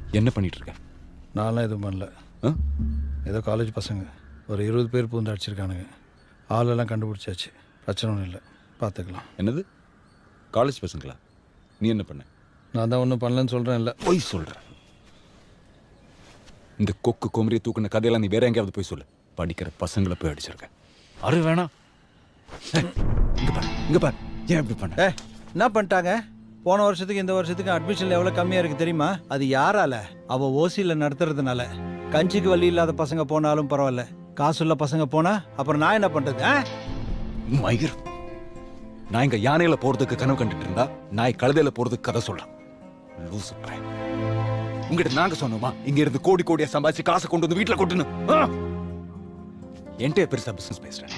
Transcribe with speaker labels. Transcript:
Speaker 1: என்ன பண்ணிட்டு இருக்க?
Speaker 2: நான்லாம் எதுவும் பண்ணல. ஏதோ காலேஜ் பசங்க ஒரு 20 பேர் பூந்து அடிச்சிருக்கானுங்க. ஆளெல்லாம் கண்டுபிடிச்சாச்சு. பிரச்சனை ஒன்றும் இல்லை, பார்த்துக்கலாம்.
Speaker 1: என்னது காலேஜ் பசங்களா? நீ என்ன பண்ண?
Speaker 2: நான் தான் ஒன்றும் பண்ணலன்னு சொல்கிறேன். இல்லை,
Speaker 1: போய் சொல்ற. இந்த கொக்கு கொமரியை தூக்குன கதையெல்லாம் நீ வேற எங்கேயாவது போய் சொல்லு. படிக்கிற பசங்களை போய் அடிச்சிருக்க. அரு வேணாம். இங்க பாரு ஏன் இப்படி பண்ண?
Speaker 2: என்ன பண்ணிட்டாங்க? போன வருஷத்துக்கு இந்த வருஷத்துக்கு அட்மிஷன் எவ்வளோ கம்மியாக இருக்குது தெரியுமா? அது யாரால? அவள் ஓசியில் நடத்துறதுனால. கஞ்சிக்கு வழி இல்லாத பசங்க போனாலும் பரவாயில்ல, காசுள்ள பசங்க போனா அப்புறம் நான் என்ன பண்றது?
Speaker 1: மயிர், நான் இங்க யானையில போறதுக்கு கனவு கண்டுட்டு இருந்தா நாய் கழுதையில போறதுக்கு கதை சொல்றேன். லூசு பையன். உங்ககிட்ட நாங்க சொன்னோமா இங்க இருந்து கோடி கோடியா சம்பாதிச்சு காசை கொண்டு வந்து வீட்டுல கொட்டுன்னு? என்கிட்ட பெருசா பிசினஸ் பேசுறேன்.